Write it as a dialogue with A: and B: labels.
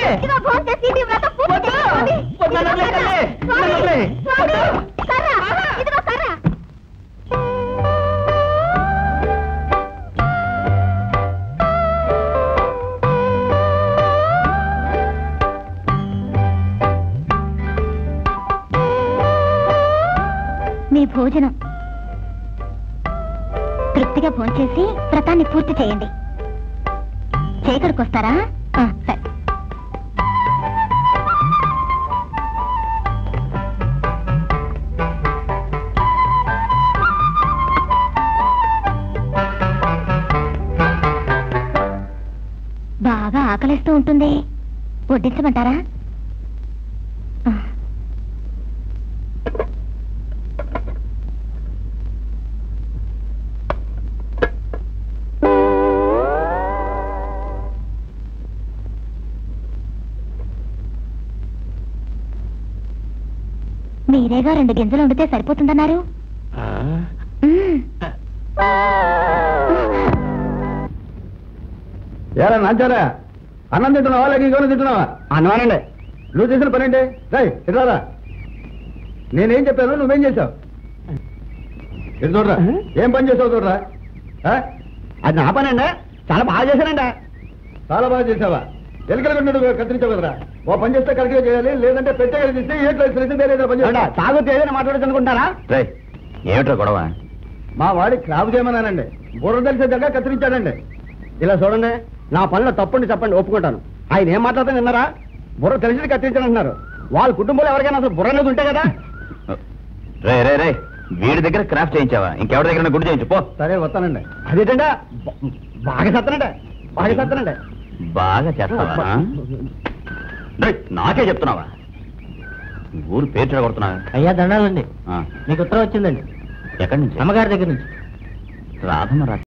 A: మీ భోజనం తృప్తిగా భోంచేసి వ్రతాన్ని పూర్తి చేయండి. చేకడికి వస్తారా? సరే. బాగా ఆకలిస్తూ ఉంటుంది, వడ్డించమంటారా? మీరేగా 2 గింజలు వండితే సరిపోతుందన్నారు.
B: ఏరా నాచారా, అన్నం తింటున్నావా లేక ఇంకోనే తింటున్నావా? అన్నమానండి. నువ్వు చేసిన పని ఏంటి? రై ఇట్రారా. నేనేం చెప్పాను, నువ్వేం చేశావు? ఇటు చూడరా, ఏం పని చేసావు చూడరా. అది నా పని అండి, చాలా బాగా చేశానండి. చాలా బాగా చేసావా? ఎలుకలు కత్తిరించావు కదరా. ఓ పని చేస్తే కరెక్ట్గా చేయాలి, లేదంటే పెట్టే తీస్తే ఏట్లో పని చేయాలి. తాగుతూ ఏదైనా మాట్లాడచ్చు అనుకుంటారా?
C: ఏమిట్రా గొడవ?
B: మా వాడి క్రాప్ చేయమన్నానండి, బుర్ర తెలిసే దగ్గర కత్తిరించాడండి. ఇలా చూడండి, నా పనిలో తప్పండి చెప్పండి, ఒప్పుకుంటాను. ఆయన ఏం మాట్లాడుతాను విన్నారా? బుర్ర తెలిసి కత్తిరించానంటున్నారు. వాళ్ళ కుటుంబంలో ఎవరికైనా అసలు బుర్ర అనేది ఉంటే కదా.
C: రే రే రే, వీడి దగ్గర క్రాఫ్ట్ చేయించావా? ఇంకెవరి దగ్గర గుడి చేయించు పో.
B: సరే వస్తానండి. అదేంటండి, బాగా చేస్తానండి, బాగా చేస్తానండి.
C: బాగా చేస్తావా? నాకే చెప్తున్నావా? ఊరు పేరు చెడగొడుతున్నావా?
D: అయ్యా దండాలండి, మీకు ఉత్తరం వచ్చిందండి.
C: ఎక్కడి నుంచి?
D: అమ్మగారి దగ్గర నుంచి.
C: రాధమ్మ